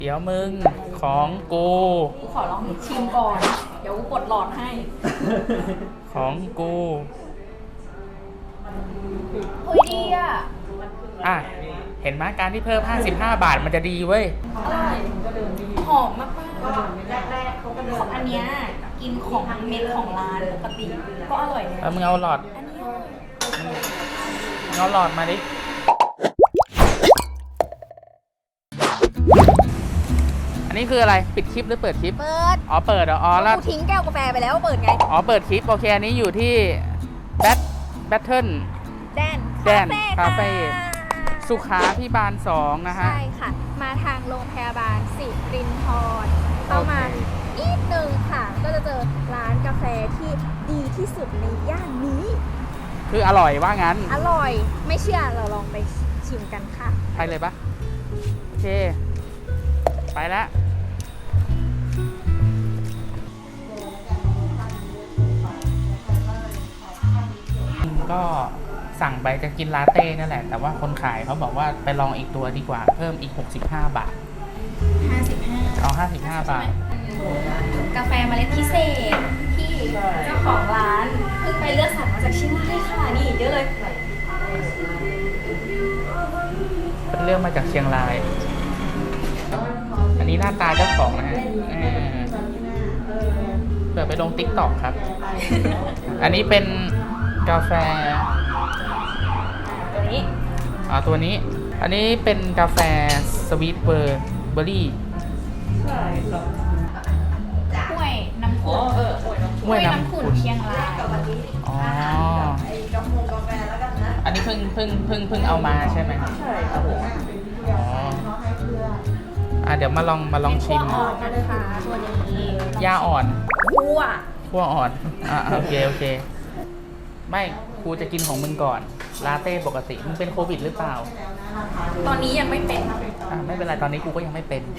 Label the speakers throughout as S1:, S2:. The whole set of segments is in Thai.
S1: เดี๋ยวมึงของกู
S2: ขอลองชิมก่อน เดี๋ยวกูกดหลอดให้
S1: ของกู
S2: เฮ้ยดีอ่ะ
S1: เห็นไหมการที่เพิ่ม55 บาทมันจะดีเว้ย
S2: อร่อยหอมมากๆแรกๆเขาก็เดินอันเนี้ยกินของเม็ดของร้านปกติก็อร่อยเลย
S1: มึงเอาหลอด
S2: อันนี้
S1: เอาหลอดมาดิอันนี้คืออะไรปิดคลิปหรือเปิดคลิป
S2: เปิด
S1: เปิดอ๋อแล้ว
S2: ทิ้งแก้วกาแฟไปแล้วเปิดไง
S1: เปิดคลิปโอเคอันนี้อยู่ที่แบทเทิล
S2: แดน
S1: คาเฟ่สุขาพิบาล2นะฮะ
S2: ใช่ค่ะมาทางโรงพยาบาลสิรินธรประมาณนิดนึงค่ะก็จะเจอร้านกาแฟที่ดีที่สุดในย่านนี้
S1: คืออร่อยว่างั้น
S2: อร่อยไม่เชื่อเราลองไปชิมกันค่ะ
S1: ไปเลยปะโอเคไปแล้วก็สั่งไปจะกินลาเต้นั่นแหละแต่ว่าคนขายเขาบอกว่าไปลองอีกตัวดีกว่าเพิ่มอีก65 บาท55เอา55 บาท
S2: กาแฟเมล็ดพิเศษที่เจ้าของร้านเพิ่งไปเลือกสรรมาจากเชียงรายค่ะนี่เยอะเลย
S1: เป็นเรื่องมาจากเชียงรายอันนี้หน้าตาเจ้าของนะฮะเปิดไปลง TikTok ครับ อันนี้เป็นกาแฟ
S2: ตัวนี้
S1: ตัวนี้อันนี้เป็นกาแฟสวีทเบอร์รี่
S2: ห้วยน้ำขุ่นห้วยน้ำขุ่นเชียงราย
S1: อ๋ออันนี้เพิ่งเอามาใช่ไหมใช่ครับผมเดี๋ยวมาลองชิมย่าอ่อนคั่วอ่อนโอเคไม่ครูจะกินของมึงก่อนลาเต้ปกติมึงเป็นโควิดหรือเปล่า
S2: ตอนนี้ยังไม่เป็น
S1: ไม่เป็นไรตอนนี้กูก็ยังไม่เป็น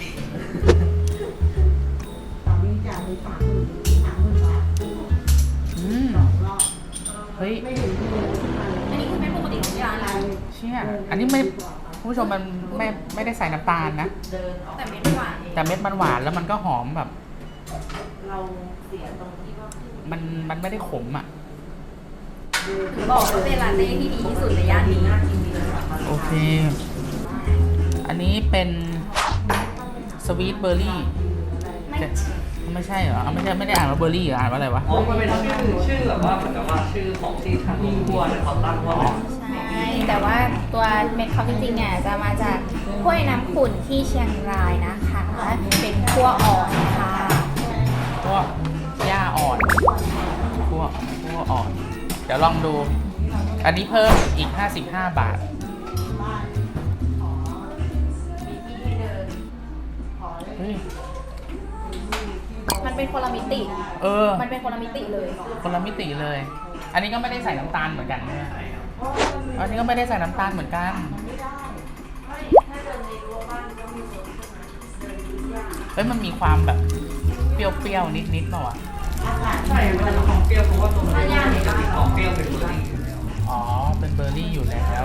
S1: เฮ้ย
S2: อันนี้คือไม่ปกติของร้านอะไร
S1: เชี่ยอันนี้ไม่ผู้ชมมันไม่ได้ใส่น้ำตาลนะ
S2: แต่เม็ดมันหวาน
S1: แล้วมันก็หอมแบบเราเสียตรงที่ว่ามันไม่ได้ขมอ่ะ
S2: บอกว่าเป็นลาเต้ที่ดีที่สุดในย่านนี้
S1: โอเคอันนี้เป็นสวีทเบอร์รี่ไม่ใช่เหรอไม่ได้อ่านว่าเบอร์รี่เหรออ่านว่าอะไรวะ
S3: มันเป็นชื่อแบบว่าเหมือนกับว่าชื่อของที่ทางขั้วเขาตั้งว่า
S2: ใช่แต่ว่าตัวเม็ดเขาจริงๆเนี่ยจะมาจากห้วยน้ำขุ่นที่เชียงรายนะคะเป็นคั่วอ่อนค่ะ
S1: คั่วย่าอ่อนคั่วอ่อนเดี๋ยวลองดูอันนี้เพิ่มอีก55 บาท
S2: มันเป็นคนละมิติมันเป็นคนละมิติเลย
S1: คนละมิติเลยอันนี้ก็ไม่ได้ใส่น้ำตาลเหมือนกันใช่ไหมอันนี้ก็ไม่ได้ใส่น้ำตาลเหมือนกันเฮ้ยมันมีความแบบเปรี้ยวๆนิดๆเปล่าวะ
S3: ใช่มันจะมีความเปรี้ยวเพราะว่าตัวมันจะมีความเปรี้ยวเป็นเบอร์รี่
S1: เป็นเบอร์รี่อยู่แล้ว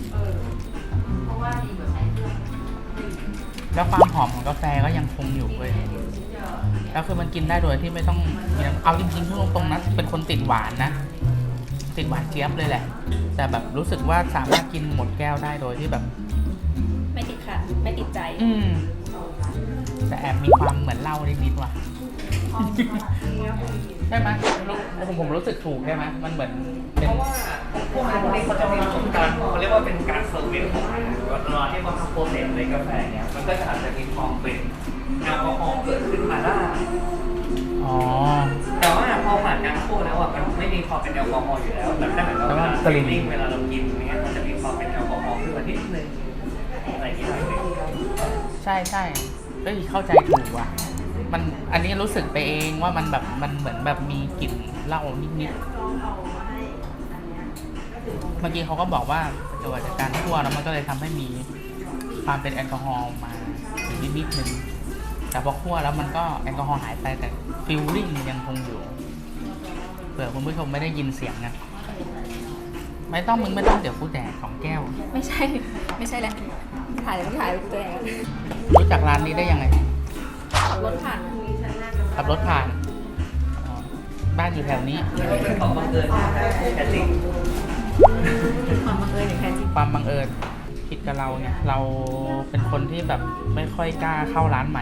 S1: แล้วความหอมของกาแฟก็ยังคงอยู่เว้ยแล้วคือมันกินได้โดยที่ไม่ต้องเอาจริงๆพูดตรงๆนะเป็นคนติดหวานนะติดหวานเจี๊ยบเลยแหละแต่แบบรู้สึกว่าสามารถกินหมดแก้วได้โดยที่แบบ
S2: ไม่ติดขัดไม่ติดใจ
S1: แต่แอบมีความเหมือนเหล้านิดๆว่ะใช่ไหมผมรู้สึกถูกใช่ไหมมันเหมือน
S3: เพราะว่าพวกนี้เขาจะมีประสบการณ์เขาเรียกว่าเป็นการเซอร์วิสของมันเวลาที่เขาทำโปรเซสในกาแฟเนี่ยมันก็อาจจะมีความเป็นแอลกอฮอล์เกิดขึ้นมาได้แต่ว่าพอผ่านการคั่วแล้วอ่ะมันไม่มีความเป็นแอลกอฮอล์อยู่แล้วแต่ถ้าเหมือนเราเวลาเรากินเนี้ยมันจะมีความเป็นแอลกอฮอล์ขึ้นมานิดนึงอะไรที่ไหน
S1: ใช่เฮ้ยเข้าใจถูกว่ะมันอันนี้รู้สึกไปเองว่ามันแบบมันเหมือนแบบมีกลิ่นเหล้านิดๆเมื่อกี้เขาก็บอกว่าเกิดจากการคั่วแล้วมันก็เลยทำให้มีความเป็นแอลกอฮอล์มาถึงนิดนึงแต่พอคั่วแล้วมันก็แอลกอฮอล์หายไปแต่ฟีลลิ่งยังคงอยู่เผื่อคุณผู้ชมไม่ได้ยินเสียงนะไม่ต้องมึงไม่ต้องเดี๋ยวกูแดก2 แก้ว
S2: ไม่ใช่แหละถ่ายตัวเอง
S1: รู้จักร้านนี้ได้ยังไง
S2: ขับรถผ่าน
S1: ขับรถผ่านอ๋อบ้านอยู่แถวนี้
S3: เป็นของบังเอิญแค่จริง
S2: ความบังเอิญอย่างแท้จริง
S1: ความบังเอิญผิดกับเราเนี่ย เราเป็นคนที่แบบไม่ค่อยกล้าเข้าร้านใหม่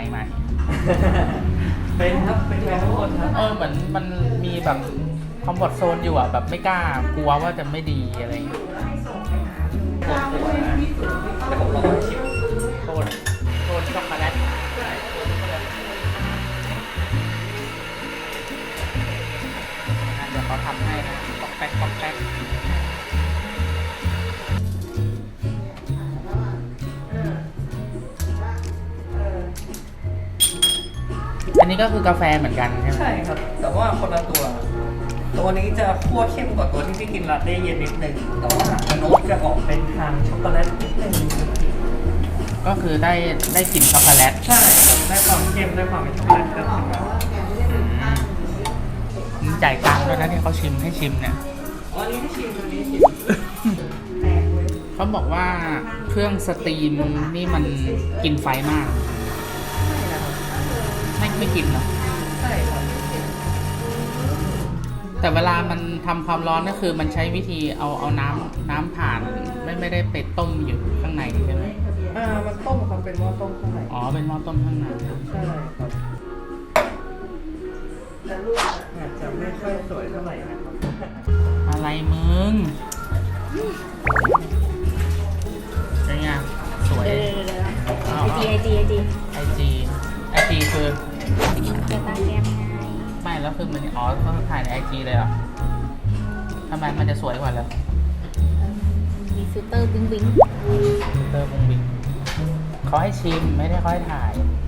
S3: เป็นครับเป็นแฟนทุกคนครับ
S1: เหมือนมันมีแบบคอมฟอร์ตโซนอยู่แบบไม่กล้ากลัวว่าจะไม่ดีอะไรอย่างเงี้ย
S3: ปวดหัวนะแต่ผมลองมาชิม
S1: โทษช็อกโกแลตเดี๋ยวเขาทำให้นะป๊อกแป๊กอันนี้ก็คือกาแฟเหมือนกันใช่ไหม
S3: ใช่ครับ แต่ว่าคนละตัว ตัวนี้จะคั่วเข้มกว่าตัวที่พี่กินลาเต้เย็นนิดนึงแต่ว่าโน้ตจะออกเป็นทางช็อกโกแลตนิดนึง
S1: ก็คือได้กลิ่นช็อกโกแลต
S3: ใช่ครับได้ความเข้มได้ความเป็นช็อกโกแลตก็ถึงแบบ
S1: มีจ่ายตังค์ด้วยนะที่เขาชิมให้ชิมเนี่ย
S3: อันนี้ที่ชิมตัวนี้ชิม
S1: เขาบอกว่าเครื่องสตรีมนี่มันกินไฟมาก ไม่กินเนอะ
S3: ใช่ครับ
S1: แต่เวลามันทำความร้อนก็คือมันใช้วิธีเอาน้ำผ่านไม่ได้ไปต้มอยู่ข้างในใช่ไหม
S3: มันต้มครับเป็นหม้อต้มข้างใน
S1: อ๋อเป็นหม้อต้มข้างใน
S3: ใช่ครับแต่รูปอาจจะไม่ค่อยสวยเท่าไหร่นะครับ
S1: อะไรมึงเป็นไงสวย
S2: ไอจี
S1: IG คือ
S2: จะตาแก้มไง
S1: ไม่แล้วคือมันอ๋อเขาถ่ายใน IG เลยเหรอทำไมมันจะสวยกว่าเหรอ
S2: มีฟิลเตอร์วิ้ง
S1: เตอร์บงบิงเขาให้ชิมไม่ได้เขาให้ถ่าย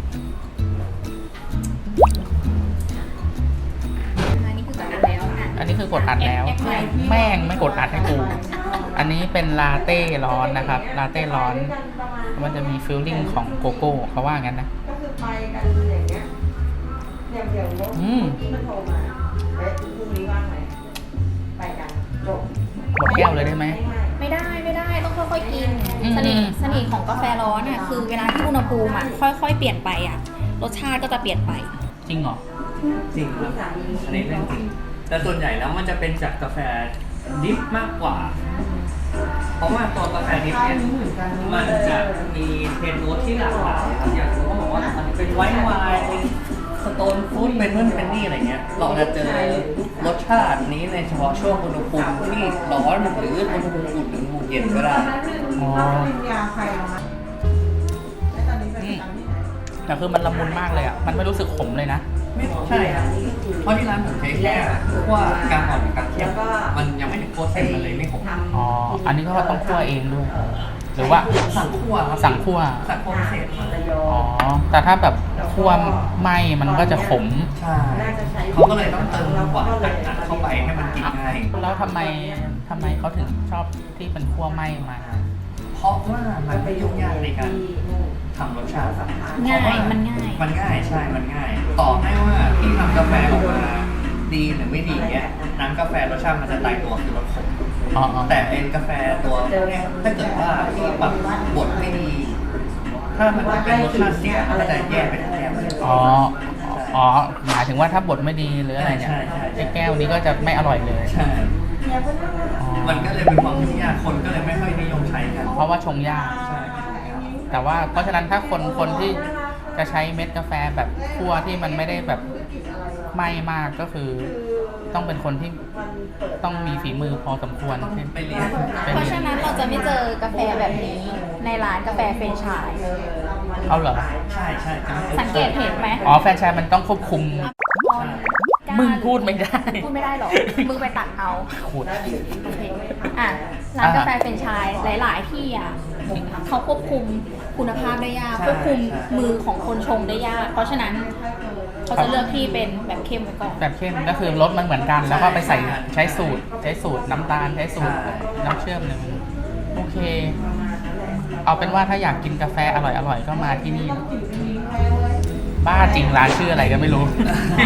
S2: อันนี้คือกดอัดแล้วอ่ะ
S1: อันนี้คือกดอัดแล้ว แม่งไม่กดอัดให้กู อันนี้เป็นลาเต้ร้อนนะครับ ลาเต้ร้อน มันจะมีฟิลลิ่งของโกโก้เขาว่างั้นนะ
S4: ก็คือไปกันอย่างเงี้ยอย่างเดี๋ยวรถ
S1: อืม
S4: ที่มันโทรมาเฮ้ยพรุ่งนี้ว่างไหมไปกันจบ
S1: หมดแก้วเลยได้ไหม
S2: ไม่ได้ต้องค่อยๆกิน
S1: อืม
S2: เสน่ห์ของกาแฟร้อนอ่ะคือเวลาที่อุณหภูมิอ่ะค่อยๆเปลี่ยนไปอ่ะรสชาติก็จะเปลี่ยนไป
S1: จริงเหรอ
S3: จริงครับอันนี้เรื่องจริงแต่ส่วนใหญ่แล้วมันจะเป็นจากกาแฟดิฟมากกว่า เพราะว่าตัวกาแฟดิฟเนี่ยมันจะมีเทนโนตที่หลากหลายครับอย่างเขาบอกว่ามันเป็นไวน์ไวน์เป็นสโตนฟู้ดเป็นนู่นเป็นนี่อะไรเงี้ย เราจะเจอรสชาตินี้ในเฉพาะช่วงอุณหภูมิที่ร้อนหรืออุณหภูมิอุ่นหรืออุณหภูมิเย็นก็ได้
S1: อ๋อ
S4: ปริญญาใครเอามาแล้วตอนนี้ไปทำที่ไหน
S1: แต่คือมันละมุนมากเลยอ่ะ มันไม่รู้สึกขมเลยนะ
S3: ไม่ใช่ครับเพราะที่ร้านผมใช้แค่คั่วกลางอ่อนกับกลางเข้มมันยังไม่ถึงคั่วเส้นมันเลยไม่ขม
S1: อ๋อ อันนี้ก็ต้องคั่วเองด้วย หรือว่า
S3: สั่งคั่วครับ
S1: สั่งคั่ว
S3: สั่งคั่วพิเศษมา
S4: ระยอ
S1: อ๋อ
S4: ง
S1: แต่ถ้าแบบคั่วไหมมันก็จะขม
S3: ใช่เขาก็เลยต้องเติมหวานอัดเข้าไปให้มันกินง่าย
S1: แล้วทำไมเขาถึงชอบที่เป็นคั่วไหมมา
S3: เพราะว่ามันไม่ยุ่งยากในการทำรสชาติ
S2: ง่าย
S3: เพระว่
S2: มันง่าย
S3: มันง่ายใช่ มันง่าย ต่อให้ว่าที่ทำกาแฟออกมาดีหรือไม่ดีเนี่ยน้ำกาแฟรสชาติมันจะตายตัวคือรสขม
S1: อ๋อ
S3: แต่เป็นกาแฟตัวเนี่ยถ้าเกิดว่าที่ปรับบดไม่ดี ถ้ามันเป็นรสชาติเสียมันก็จะแยกเป็นแก้วเลย
S1: อ๋อ อ๋อ หมายถึงว่าถ้าบดไม่ดีหรืออะไรเนี่ย
S3: ใช่ใช่
S1: ไอ้แก้วนี้ก็จะไม่อร่อยเลย
S3: ใช่
S1: อ๋อ
S3: มันก็เลยเป็นความยุ่งยากคนก็เลยไม่ค่อยนิยมใช้กัน
S1: เพราะว่าชงยาก
S3: ใช่
S1: แต่ว่าเพราะฉะนั้นถ้าคนที่จะใช้เม็ดกาแฟแบบคั่วที่มันไม่ได้แบบไหม้มากก็คือ ต้องเป็นคนที่ต้องมีฝีมือพอสมควรใช่ไหม
S3: ไปเรียน
S2: เพราะฉะนั้นเราจะไม่เจอกาแฟแบบนี้ในร้านกาแฟเฟรนช์ชาย
S1: เอาเหรอ
S3: ใช่ใช่จะไม่
S2: สังเกตเห็นไหม
S1: อ๋อแฟรนไชส์มันต้องควบคุม มึงพูดไม่ได้
S2: พูดไม่ได้หรอ มึงไปตัดเอา
S1: ขุด
S2: โอเคอ่ะร้านกาแฟเฟรนช์ชายหลาย ๆ ที่อ่ะเขาควบคุมคุณภาพได้ยากควบคุมมือของคนชงได้ยาก เพราะฉะนั้นเขาจะเลือกที่เป็นแบบเข้มไว้ก่อน
S1: แบบเข้มก็คือรสมันเหมือนกัน แล้วก็ไปใส่ใช้สูตรน้ำตาลใช้สูตรน้ำเชื่อมหนึ่งโอเค เอาเป็นว่าถ้าอยากกินกาแฟอร่อยๆก็มาที่นี่ บ้าจริงร้านชื่ออะไรก็ไม่รู้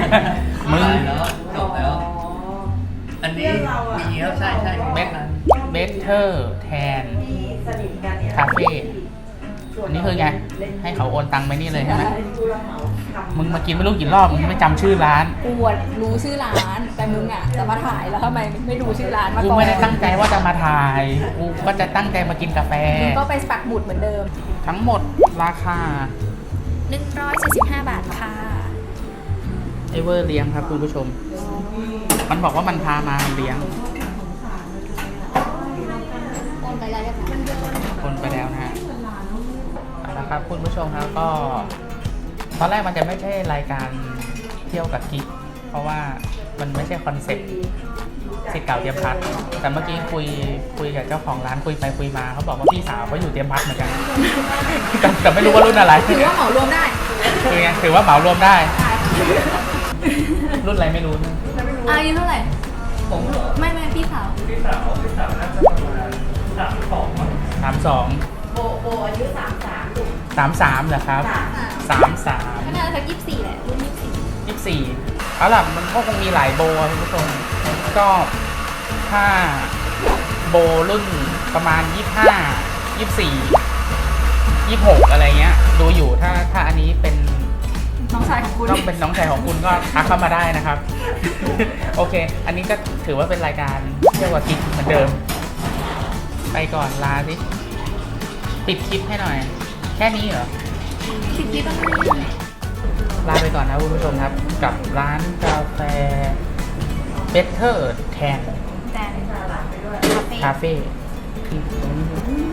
S1: มึง
S3: แล้วจบแล้ว อันนี้มีแล้วใช่ใช่
S1: เม็ด
S3: นั้น
S1: Better Tan
S4: ที่สนิทกันเนี่ย
S1: Cafe อันนี้คือไง ให้เขาโอนตังค์ไปนี่เลยใช่ไหม
S4: ผู้รับเหมาทำ
S1: มึงมากินไม่รู้กี่รอบมึงไม่จำชื่อร้าน
S2: กูอะรู้ชื่อร้าน แต่มึงอ่ะจะมาถ่ายแล้วทำไมไม่รู้ชื่อร้านมา
S1: กู
S2: ก่อน
S1: ไม่ได้ตั้งใจว่าจะมาถ่าย กูก็จะตั้งใจมากินกาแฟ
S2: มึงก็ไปปักหมุดเหมือนเดิม
S1: ทั้งหมดราคา
S2: 145 บาทค่ะ
S1: เอเวอร์เลี้ยงครับคุณผู้ชม มันบอกว่ามันพามาเลี้ยง
S2: โอนไปแล้วเรียบร้อย
S1: คนไปแล้วนะฮะเอาละครับคุณผู้ชมครับก็ ตอนแรกมันจะไม่ใช่รายการเที่ยวกับกิ๊กเพราะว่ามันไม่ใช่คอนเซ็ปต์สิทธิ์เก่าเตรียมพัดแต่เมื่อกี้คุยกับเจ้าของร้านคุยไปคุยมาเขาบอกว่าพี่สาวเขาอยู่เตรียมพัดเหมือนกัน แต่ไม่รู้ว่ารุ่นอะไร
S2: ถือว่าเหมารวมได้
S1: คือไงถือว่าเหมารวมได้ รุ่นอะไรไม่รู้นะ
S2: อายุเท่าไหร่
S3: ผมเหรอ
S2: ไม่พี่สาว
S3: พี่สาวน่าจะประมาณ32มั้ง
S1: 32
S4: โบอายุ33ลูก
S1: 33เหรอครับ
S2: ก็น่าจะสัก24แหละ รุ่น24
S1: 24เอาล่ะมันก็คงมีหลายโบอะคุณผู้ชมก็ถ้าโบรุ่นประมาณ25 24 26อะไรเงี้ยดูอยู่ถ้าอันนี้เป็น
S2: น้องชายของคุณ
S1: ต้องเป็นน้องชายของคุณก็ทักเข้ามาได้นะครับ โอเค อันนี้ก็ถือว่าเป็นรายการเที่ยวกับกิ๊กเหมือนเดิม ไปก่อนลาสิปิดคลิปให้หน่อย แค่นี้เหรอ
S2: สิบที่ต้อง
S1: ลาไปก่อนนะคุณผู้ชมครับ กับร้านกาแฟ Better Tan
S2: แต่คาเฟ่
S1: Cafe ที่ตรงนี้